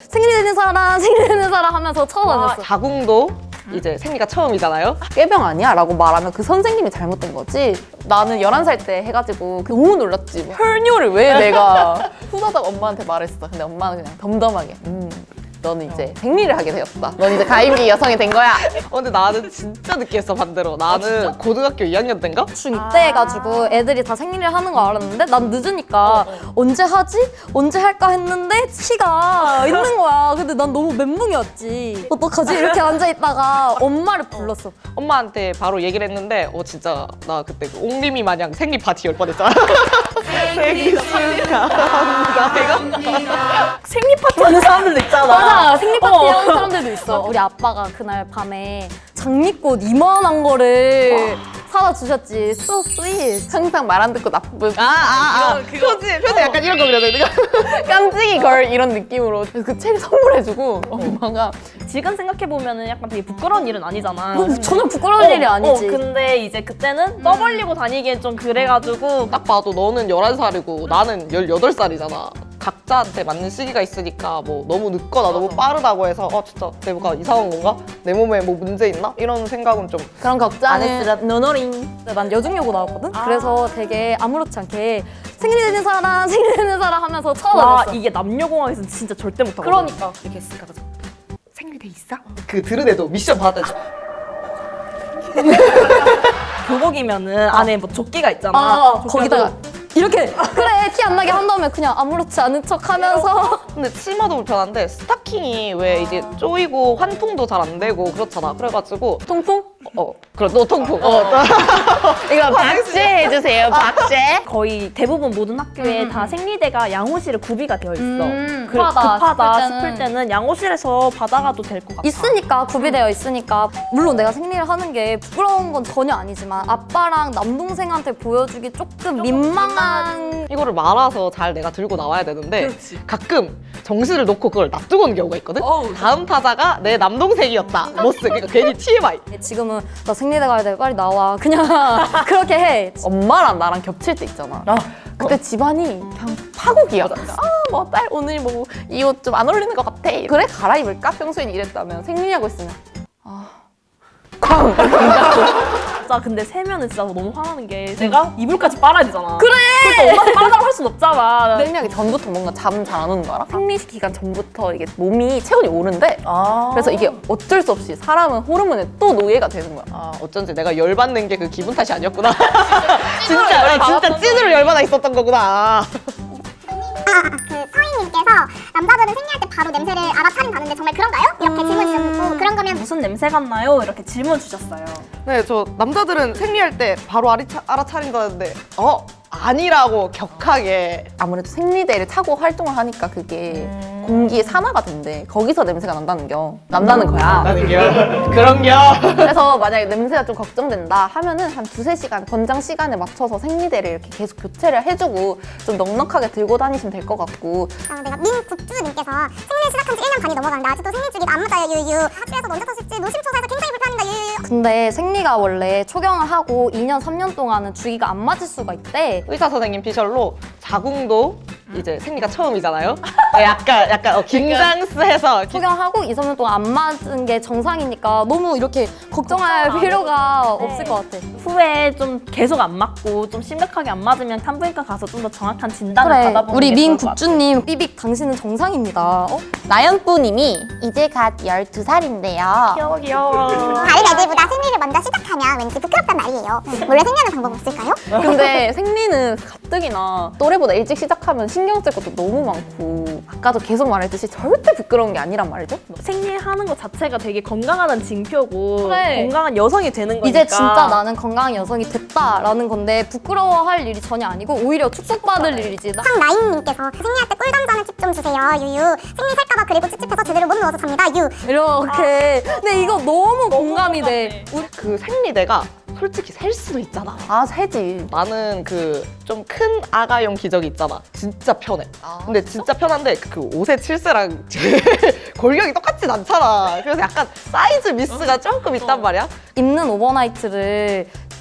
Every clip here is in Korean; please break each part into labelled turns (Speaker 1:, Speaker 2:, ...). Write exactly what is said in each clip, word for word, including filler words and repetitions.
Speaker 1: 생리 되는 사람, 생리 되는 사람 하면서 쳐다봤어.
Speaker 2: 자궁도 이제 생리가 처음이잖아요.
Speaker 3: 꾀병 아니야? 라고 말하면 그 선생님이 잘못된 거지. 나는 열한 살 때 해가지고 너무 놀랐지. 뭐 혈뇨를 왜 내가 후다닥 엄마한테 말했어. 근데 엄마는 그냥 덤덤하게 음 너는 이제 생리를 하게 되었다. 넌 이제 가임기 여성이 된 거야.
Speaker 2: 어, 근데 나는 진짜 늦게 했어, 반대로. 나는 고등학교 이 학년 때인가?
Speaker 1: 중이 때 해가지고 애들이 다 생리를 하는 거 알았는데 난 늦으니까 언제 하지? 언제 할까 했는데 시가 있는 거야. 근데 난 너무 멘붕이었지. 어떡하지? 이렇게 앉아있다가 엄마를 불렀어.
Speaker 2: 엄마한테 바로 얘기를 했는데 어 진짜 나 그때 그 옹림이 마냥 생리 파티 열 뻔했잖아. 생리 축하합니다. 이거
Speaker 4: 생리 파티 하는 사람들도 있잖아.
Speaker 1: 맞아, 생리 파티 하는 사람들도 있어. 우리 아빠가 그날 밤에 장미꽃 이만한 거를 사다 주셨지. So sweet.
Speaker 3: 항상 말 안 듣고 나쁜
Speaker 2: 아아아 표지 표지 약간 이런 거 그려야 돼.
Speaker 3: 깜찍이 걸 이런 느낌으로 그 책을 선물해주고 엄마가
Speaker 4: 지금 생각해보면은 약간 되게 부끄러운 일은 아니잖아.
Speaker 1: 전혀 부끄러운 일이 아니지.
Speaker 4: 어, 근데 이제 그때는 떠벌리고 다니기엔 좀 그래가지고
Speaker 2: 딱 봐도 너는 열한 살이고 나는 열여덟 살이잖아. 각자한테 맞는 시기가 있으니까 뭐 너무 늦거나 너무 빠르다고 해서 어 진짜 내가 이상한 건가? 내 몸에 뭐 문제 있나? 이런 생각은 좀
Speaker 3: 그런
Speaker 4: 안
Speaker 3: 걱정을
Speaker 4: 했으라 노노링.
Speaker 1: 근데 난 여중여고 나왔거든? 그래서 되게 아무렇지 않게 생리 되는 사람, 생리 되는 사람 하면서
Speaker 4: 와
Speaker 1: 쳐다봤어.
Speaker 4: 이게 남녀공학에서는 진짜 절대 못하거든.
Speaker 1: 그러니까.
Speaker 2: 이렇게 했을까 봐. 생리돼 있어? 그 들은 애도 미션 받았지.
Speaker 4: 교복이면은 안에 뭐 조끼가 있잖아.
Speaker 1: 아,
Speaker 4: 조끼가
Speaker 1: 거기다가 이렇게 그래 티 안 나게 한 다음에 그냥 아무렇지 않은 척 하면서
Speaker 2: 근데 치마도 불편한데 스타킹이 왜 이제 쪼이고 환풍도 잘 안 되고 그렇잖아. 그래가지고
Speaker 3: 통풍?
Speaker 2: 어 그래 너 통풍. 어.
Speaker 3: 이거 박제 해주세요. 박제.
Speaker 4: 거의 대부분 모든 학교에 다 생리대가 양호실에 구비가 되어 있어.
Speaker 1: 음,
Speaker 4: 그,
Speaker 1: 급하다
Speaker 4: 급하다
Speaker 1: 싶을
Speaker 4: 싶을 때는 양호실에서 받아가도 될 것 같아.
Speaker 1: 있으니까 구비되어 있으니까 물론 내가 생리를 하는 게 부끄러운 건 전혀 아니지만 아빠랑 남동생한테 보여주기 조금 민망한
Speaker 2: 이거를 말아서 잘 내가 들고 나와야 되는데 가끔 정신을 놓고 그걸 놔두고 오는 경우가 있거든? 다음 타자가 내 남동생이었다. 로스. 그러니까 괜히 티엠아이.
Speaker 1: 지금은 나 생리대 가야 돼 빨리 나와 그냥 그렇게 해.
Speaker 3: 엄마랑 나랑 겹칠 때 있잖아. 그때 집안이 그냥 파국이야. 아, 뭐 딸 오늘 뭐 이 옷 좀 안 어울리는 것 같아. 그래 갈아입을까? 평소엔 이랬다면 생리하고 있으면 아, 쾅.
Speaker 4: 진짜 근데 세면은 진짜 너무 화나는 게 내가 이불까지 빨아야 되잖아. 그래. 그걸 또 엄마한테 빨아달라고 할 순 없잖아.
Speaker 3: 생리하기 전부터 뭔가 잠 잘 안 오는 거 알아? 생리 기간 전부터 이게 몸이 체온이 오른대.
Speaker 4: 아.
Speaker 3: 그래서 이게 어쩔 수 없이 사람은 호르몬에 또 노예가 되는 거야.
Speaker 2: 아 어쩐지 내가 열받는 게 그 기분 탓이 아니었구나. 진짜 나 진짜 찐으로 열받아 있었던 거구나.
Speaker 5: 그 서희님께서 남자들은 생리할 때 바로 냄새를 알아차린다는데 정말 그런가요? 이렇게 질문 주셨고 그런 거면
Speaker 4: 무슨 냄새 같나요? 이렇게 질문 주셨어요.
Speaker 2: 네, 저 남자들은 생리할 때 바로 알아차, 알아차린다는데 어? 아니라고 격하게.
Speaker 3: 아무래도 생리대를 타고 활동을 하니까 그게 공기의 산화가 된대. 거기서 냄새가 난다는 겨. 난다는 거야.
Speaker 2: 나는겨? 그런겨?
Speaker 3: 그래서 만약에 냄새가 좀 걱정된다 하면은 한 두세 시간 권장 시간에 맞춰서 생리대를 이렇게 계속 교체를 해주고 좀 넉넉하게 들고 다니시면 될 것 같고.
Speaker 5: 어, 내가 민국주님께서 생리를 시작한 지 일 년 반이 넘어가는데 아직도 생리주기가 안 맞아요 유유 학교에서 먼저 터질지 노심초사해서 굉장히 불편합니다 유유
Speaker 1: 근데 생리가 원래 초경을 하고 이 년, 삼 년 동안은 주기가 안 맞을 수가 있대.
Speaker 2: 의사 선생님 피셜로 자궁도 이제 생리가 처음이잖아요. 약간 약간 어, 긴장스해서
Speaker 1: 초경하고 이, 삼 년 동안 안 맞은 게 정상이니까 너무 이렇게 걱정할 필요가 없을 것 같아.
Speaker 4: 후에 좀 계속 안 맞고 좀 심각하게 안 맞으면 산부인과 가서 좀 더 정확한 진단을
Speaker 1: 그래,
Speaker 4: 받아보는
Speaker 1: 우리
Speaker 4: 게
Speaker 1: 민
Speaker 4: 좋을 것 같아.
Speaker 1: 국주님 삐빅 당신은 정상입니다. 어?
Speaker 3: 나연뿌님이 이제 갓 열두 살인데요.
Speaker 4: 귀여워 귀여워.
Speaker 5: 다른 애들보다 생리를 먼저 시작하면 왠지 부끄럽단 말이에요 원래 생리하는 방법 없을까요?
Speaker 3: 근데 생리는 가뜩이나 또래보다 일찍 시작하면 신경 쓸 것도 너무 많고 아까도 계속 말했듯이 절대 부끄러운 게 아니란 말이죠.
Speaker 4: 생리하는 것 자체가 되게 건강하다는 징표고
Speaker 1: 그래.
Speaker 4: 건강한 여성이 되는 거니까
Speaker 1: 이제 진짜 나는 건강한 여성이 됐다라는 건데 부끄러워할 일이 전혀 아니고 오히려 축복받을 일이지. 나-
Speaker 5: 황라인님께서 생리할 때 꿀 던져는 팁 좀 주세요 유유 생리 살까봐 그리고 찝찝해서 제대로 못 누워서 잡니다 유
Speaker 1: 이렇게. 근데 이거 너무 공감이 돼. 우리
Speaker 2: 그 생리대가 솔직히 셀 수도 있잖아.
Speaker 3: 아 세지.
Speaker 2: 나는 그 좀 큰 아가용 기저귀 있잖아. 진짜 편해. 근데 진짜 편한데 그 오 세, 칠 세랑 제 골격이 똑같진 않잖아. 그래서 약간 사이즈 미스가 조금 있단 말이야.
Speaker 1: 입는 오버나이트를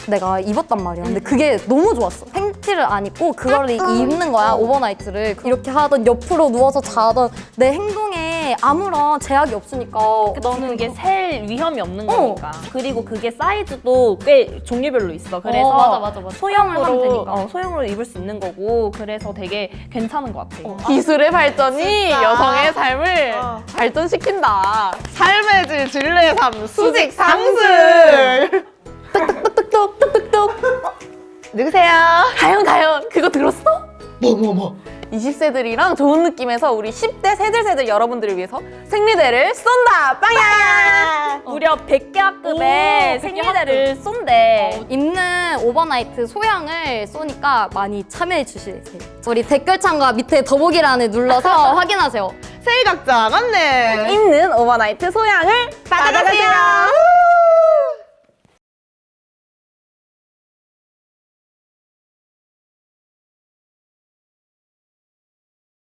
Speaker 1: 내가 입었단 말이야. 근데 그게 너무 좋았어. 팬티를 안 입고 그거를 입는 거야, 오버나이트를. 이렇게 하던 옆으로 누워서 자던 내 행동에 아무런 제약이 없으니까
Speaker 4: 너는 그게 셀 위험이 없는
Speaker 1: 어.
Speaker 4: 거니까. 그리고 그게 사이즈도 꽤 종류별로 있어. 그래서
Speaker 1: 어, 맞아, 맞아, 맞아. 소형을 하면
Speaker 4: 소형으로
Speaker 1: 되니까.
Speaker 4: 어, 소형으로 입을 수 있는 거고 그래서 되게 괜찮은 것 같아.
Speaker 3: 기술의 발전이
Speaker 2: 진짜.
Speaker 3: 여성의 삶을
Speaker 2: 어.
Speaker 3: 발전시킨다.
Speaker 2: 삶의 질, 진리의 삶, 수직 상승.
Speaker 3: 뚝뚝뚝뚝뚝뚝.
Speaker 2: 누구세요?
Speaker 3: 다현 다현 그거 들었어?
Speaker 2: 뭐 뭐 뭐.
Speaker 3: 이십 세들이랑 좋은 느낌에서 우리 십 대 세들세들 여러분들을 위해서 생리대를 쏜다! 빵야!
Speaker 4: 무려 백 개 학급의
Speaker 1: 오,
Speaker 4: 생리대를 쏜대.
Speaker 1: 입는 오버나이트 소양을 쏘니까 많이 참여해 주시세요. 우리 댓글창과 밑에 더보기란을 눌러서 확인하세요.
Speaker 2: 세일각장 안내.
Speaker 3: 입는 오버나이트 소양을
Speaker 2: 받아가세요.